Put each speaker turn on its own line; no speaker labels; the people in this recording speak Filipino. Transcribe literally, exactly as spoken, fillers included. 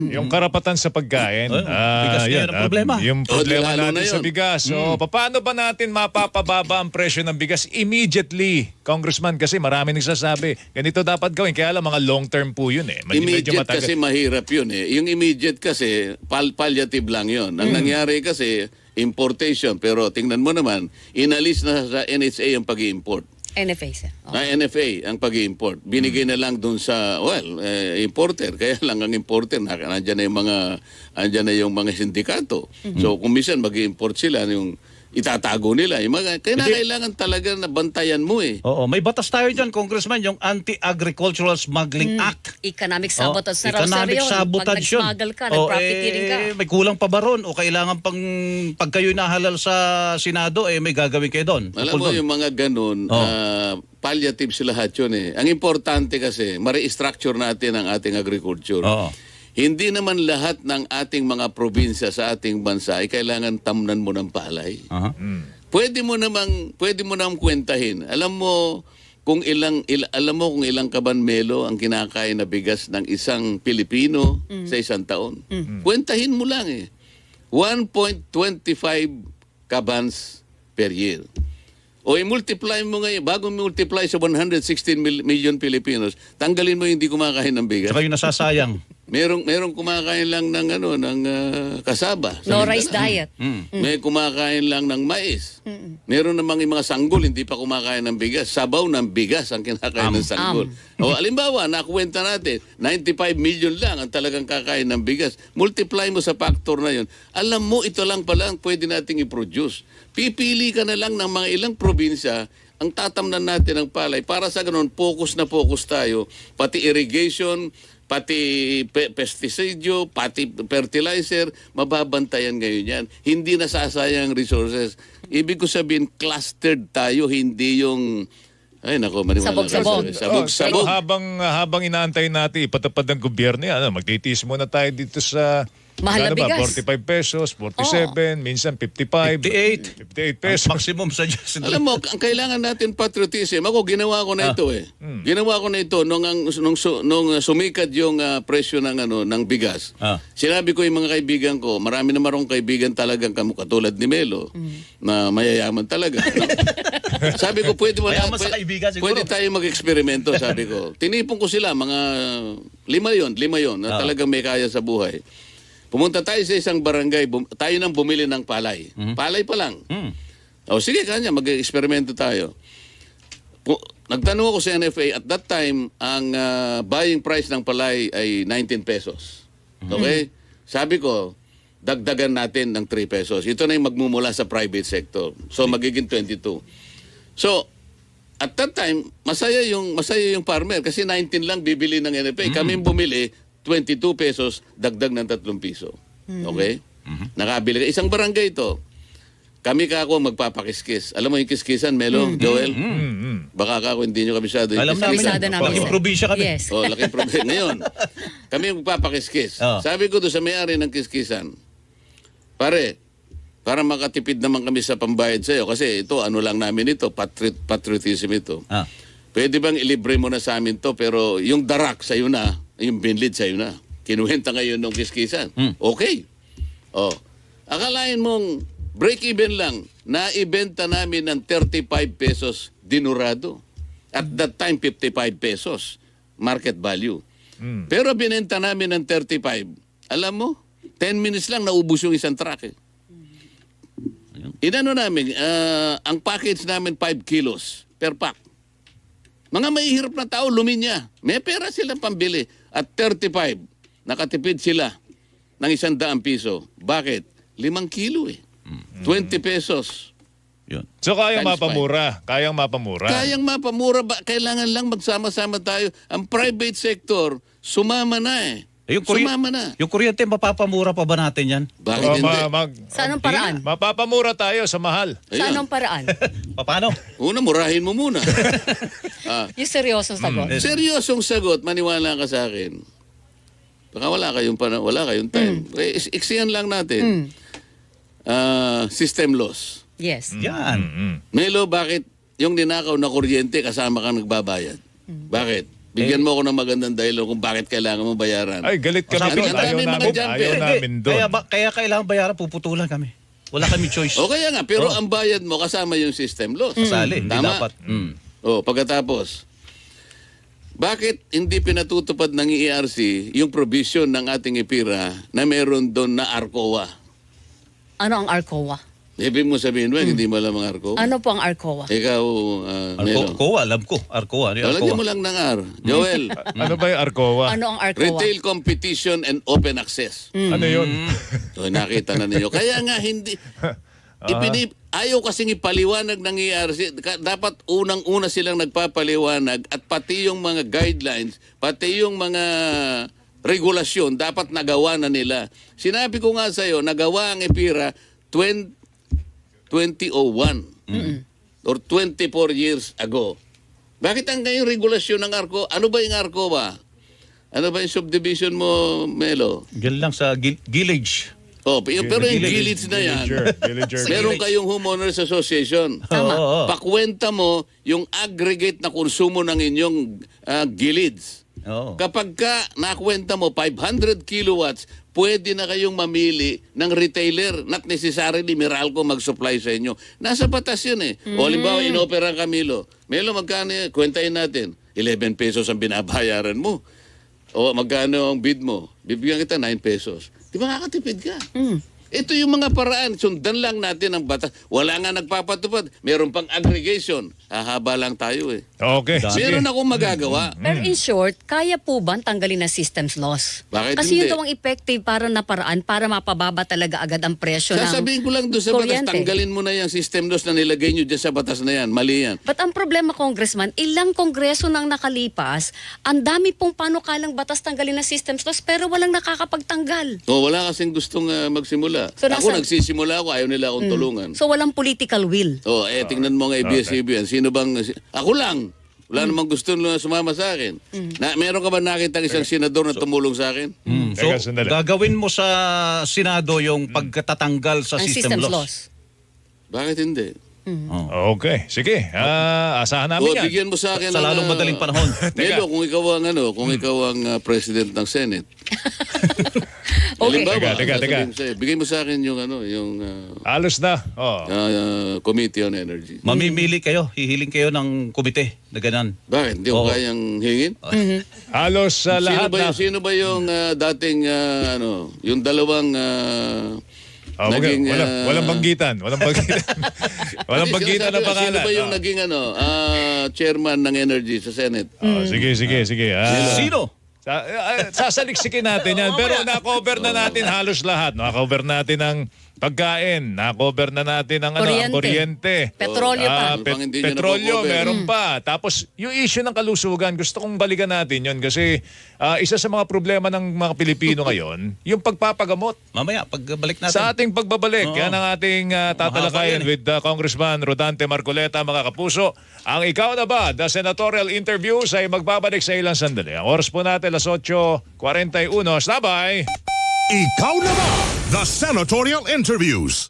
Yung karapatan sa pagkain.
Oh, bigas ngayon ang
ah,
problema.
Yung problema
Oh, di lalo
natin
na
sa
yun.
bigas. So, paano ba natin mapapababa ang presyo ng bigas immediately? Congressman, kasi marami nagsasabi, ganito dapat gawin. Kaya lang mga long-term po yun eh. Medyo, medyo
Immediate
matagal.
kasi mahirap yun eh. Yung immediate kasi, pal palliative lang yun. Ang nangyari kasi, importation. Pero tingnan mo naman, inalis na sa N H A ang pag-i-import.
N F A, sir. Oh.
Na N F A ang pag-i-import. Binigay na lang dun sa, well, eh, importer. Kaya lang ang importer, na, nandyan na yung mga, nandyan na yung mga sindikato. So, kung minsan mag-i-import sila, yung itatago nila. Yung mga, kaya na kailangan talaga na bantayan mo eh.
Oo, may batas tayo dyan, Congressman, yung Anti-Agricultural Smuggling Act.
Economic sabotage
Oh,
na raw, sir,
economic
yun.
sabotage
Pag
yun.
nag-smuggle ka,
Oh,
nag-profiteering ka.
eh, may kulang pa ba ron? O kailangan pang, pag kayo nahalal sa Senado, eh, may gagawin kayo doon?
Alam
Tungkol
mo
doon.
yung mga ganun,
Oh.
ah, palliative sila lahat yun eh. Ang importante kasi, ma-restructure natin ang ating agriculture.
Oo.
Hindi naman lahat ng ating mga probinsya sa ating bansa ay kailangan tamnan mo ng palay.
Aha.
Pwede mo namang pwede mo namang kwentahin. Alam mo kung ilang il, alam mo kung ilang kabanmelo ang kinakain na bigas ng isang Pilipino sa isang taon. Kwentahin mo lang eh. one point two five kabans per year. O i-multiply mo ngayon, bago multiply sa one hundred sixteen mil- million Filipinos, tanggalin mo yung hindi kumakain ng bigas.
Saka yung nasasayang.
Merong merong kumakain lang ng ano ng ah, kasaba. sa
No
Mindanao.
rice diet.
May kumakain lang ng mais. Meron namang yung mga sanggol hindi pa kumakain ng bigas. Sabaw ng bigas ang kinakain ng sanggol. O alimbawa, nakuwenta natin, ninety-five million lang ang talagang kakain ng bigas. Multiply mo sa factor na yun. Alam mo, ito lang pala ang pwede nating i-produce. Pipili ka na lang ng mga ilang probinsya ang tatamnan natin ng palay. Para sa ganun, focus na focus tayo. Pati irrigation, pati pe- pesticide, pati fertilizer, mababantayan ngayon yan. Hindi nasasayang resources. Ibig ko sabihin, clustered tayo, hindi yung... Ay, nako, maniwala.
Sabog-sabog.
ka. Sabog-sabog.
Oh, pero habang, habang inaantay natin ipatupad ng gobyerno yan, ano, magtitiis muna tayo dito sa...
Mahal na
ano ba,
bigas.
forty-five pesos, forty-seven, minsan fifty-five.
fifty-eight.
fifty-eight
Ang
pesos.
maximum suggestion.
Alam mo, ang kailangan natin patriotism. Ako, ginawa ko na
Ah.
ito eh.
Hmm.
Ginawa ko na ito nung, ang, nung, su- nung uh, sumikat yung uh, presyo ng, ano, ng bigas.
Ah.
Sinabi ko yung mga kaibigan ko, marami na marong kaibigan talagang kamu katulad ni Melo, na mayayaman talaga. no? Sabi ko, pwede mo na,
Mayaman sa
pwede,
kaibigan siguro.
pwede tayo mag-eksperimento, sabi ko. Tinipon ko sila, mga lima yon, lima yon, na
Ah.
talagang may kaya sa buhay. Pumunta tayo sa isang barangay, bum- tayo nang bumili ng palay. Palay pa lang.
Hmm.
O sige, kanya, mag-eksperimento tayo. Pu- Nagtanong ako sa N F A, at that time, ang ah, buying price ng palay ay nineteen pesos. Okay? Sabi ko, dagdagan natin ng three pesos. Ito na yung magmumula sa private sector. So, magiging twenty-two. So, at that time, masaya yung masaya yung farmer kasi nineteen lang bibili ng N F A. Kami bumili, twenty-two pesos, dagdag ng tatlong piso. Okay? Nakabili ka. Isang barangay ito. Kami ka ako magpapakiskis. Alam mo yung kiskisan, Melo, Joel? Baka ka ako hindi nyo kabisado yung
Alam namin.
Kabisado namin,
Laking
sir.
probinsya kami.
Yes.
Oh, laking problema. Ngayon, kami magpapakiskis.
Oh.
Sabi ko doon sa may-ari ng kiskisan, pare, para makatipid naman kami sa pambayad sa'yo, kasi ito, ano lang namin ito, patriot, patriotism ito.
Ah.
Pwede bang ilibre mo na sa amin to, pero yung darak sa'yo na, yung binlid sa'yo na. Kinuwenta ngayon ng kiskisan.
Hmm.
Okay. Oh. Akalain mong break-even lang, naibenta namin ng thirty-five pesos dinurado. At that time, fifty-five pesos market value. Pero binenta namin ng thirty-five. Alam mo, ten minutes lang naubos yung isang truck eh. Inano namin, ah, ang package namin five kilos per pack. Mga mahihirap na tao, luminya. May pera silang pambili. At thirty-five, nakatipid sila ng isang daang piso. Bakit? Limang kilo eh. twenty pesos.
Yun.
So kayang
Times
mapamura. Kayang mapamura.
Kayang mapamura ba? Kailangan lang magsama-sama tayo. Ang private sector, sumama na eh.
Eh, yung, kurye-
sumama na.
yung kuryente, mapapamura pa ba natin yan?
Bakit
Oh,
hindi?
ma- mag-
Sa anong paraan?
Mapapamura tayo sa mahal.
Sa
Ayun.
anong paraan?
Paano?
Una, murahin mo muna. ah,
Yung seryosong sagot.
seryosong sagot, maniwala ka sa akin. Baka wala kayong, pana- wala kayong time. Eh, is- iksiyan lang natin. Ah, system loss.
Yes.
Yan.
Mm.
Melo, bakit yung ninakaw na kuryente kasama kang nagbabayad? Bakit? Bigyan mo ako ng magandang dahilan kung bakit kailangan mo bayaran.
Ay, galit kami
Sabi
doon.
nga,
Ayaw
may mga
namin,
jumper.
ayaw
Hindi,
namin doon.
Kaya, ba, kaya kailangan bayaran, puputulan kami. Wala kami choice.
O kaya nga, pero
Oh.
ang bayad mo kasama yung system loss.
Kasali, hindi
Tama?
dapat. Mm.
O, pagkatapos, bakit hindi pinatutupad ng E R C yung provision ng ating IPIRA na meron doon na ARCOA?
Ano ang ARCOA?
Ibig mo sabihin ba, hindi mo alam ang ARCOA?
Ano po ang ARCOA?
Ikaw, uh, Melo.
Arco, alam ko. Arcoa. Ano yung
Lagyan
Arcoa?
mo lang ng R. Joel,
Ano ba yung ARCOA?
Ano ang ARCOA?
Retail Competition and Open Access.
Ano yun?
So, nakita na ninyo. Kaya nga, hindi... Ipinip, ayaw kasing ipaliwanag ng E R C. Ka- Dapat unang-una silang nagpapaliwanag at pati yung mga guidelines, pati yung mga regulasyon, dapat nagawa na nila. Sinabi ko nga sa'yo, nagawa ang IPIRA twenty oh one or twenty-four years ago. Bakit ang ngayong regulasyon ng ARCO? Ano ba yung ARCO ba? Ano ba yung subdivision mo, Melo?
Diyan lang sa gil- village.
Oh, pero pero yung village na yan,
Villager, villager.
meron kayong homeowners association.
Tama.
Oo, oo.
Pakwenta mo yung aggregate na konsumo ng inyong ah, gilids.
Oo.
Kapag ka nakwenta mo five hundred kilowatts, pwede na kayong mamili ng retailer. Not necessarily Meralco mag-supply sa inyo. Nasa batas yun eh. O halimbawa, inopera ka Milo. Milo, magkano yan? Kwentahin natin. eleven pesos ang binabayaran mo. O magkano ang bid mo? Bibigyan kita nine pesos. Di ba kakatipid ka? Ito yung mga paraan. Sundan lang natin ang batas. Wala nga nagpapatupad. Meron pang aggregation. Hahaba lang tayo eh.
Okay, sige.
Meron akong magagawa.
Pero in short, kaya po ba tanggalin na systems loss?
Bakit
Kasi
hindi?
yun daw ang effective para na paraan para mapababa talaga agad ang presyo ng
Sasabihin ko lang doon sa batas,
kuryente.
tanggalin mo na yung system loss na nilagay nyo dyan sa batas na yan. Mali yan.
But ang problema, Congressman, ilang kongreso nang nakalipas, ang dami pong panukalang batas tanggalin na systems loss pero walang nakakapagtanggal.
O, wala kasing gustong ah, magsimula.
So,
ako
nasa-
nagsisimula ako, ayaw nila akong tulungan.
So walang political will.
O, eh, tingnan mo nga A B S C B B N. Sino bang... si- Ako lang. Wala namang gusto na sumama sa akin. Na, meron ka ba nakita isang senador na tumulong sa akin?
Mm. So,
Teka, sandali.
gagawin mo sa Senado yung pagkatatanggal sa
Ang
system,
systems
loss.
loss.
Bakit hindi?
Okay, sige. Ah, asahan namin
O,
yan.
bigyan mo sa akin
Sa
ng,
lalong
ah,
madaling panahon.
Melo, kung ikaw ang ano, kung ikaw ang ah, president ng Senate.
Okay.
Halimbawa,
Teka, teka, teka.
sasabihin ko sa'yo, bigyan mo sa akin yung ano, yung ah,
Alos na. Oh.
ah, Committee on Energy.
Mamimili kayo, hihiling kayo ng komite na ganun.
Bakit? Hindi ko
Oo.
kayang hingin?
Halos sa
Sino
lahat
ba,
na.
yung, sino ba yung ah, dating, ah, ano, yung dalawang ah,
Oh, wag-
naging...
walang,
ah,
walang banggitan. Walang banggitan. walang
hindi,
banggitan
sinasabi
ng
ko,
pangalan.
Sino ba yung
Oh.
naging ano, ah, chairman ng Energy sa Senate?
Oh, sige, sige, sige. Ah,
Sino?
Sa, ah, sasaliksikin natin yan. Pero na-cover na natin halos lahat. Na-cover natin ang pagkain. Na-cover na natin ang, ano, ang kuryente.
Petrolyo pa.
Ah,
Ano pang hindi nyo
petrolyo,
na-cover?
meron pa. Tapos, yung issue ng kalusugan, gusto kong balikan natin yun kasi ah, isa sa mga problema ng mga Pilipino ngayon, yung pagpapagamot.
Mamaya, pagbalik natin.
Sa ating pagbabalik,
Oo.
yan ang ating ah, tatalakayin
Mahaba yan eh.
with uh, Congressman Rodante Marcoleta, mga kapuso. Ang Ikaw na Ba, the senatorial interviews ay magbabalik sa ilang sandali. Ang oras po natin, alas eight forty-one. Sabay!
Ikaw na ba? The Senatorial Interviews.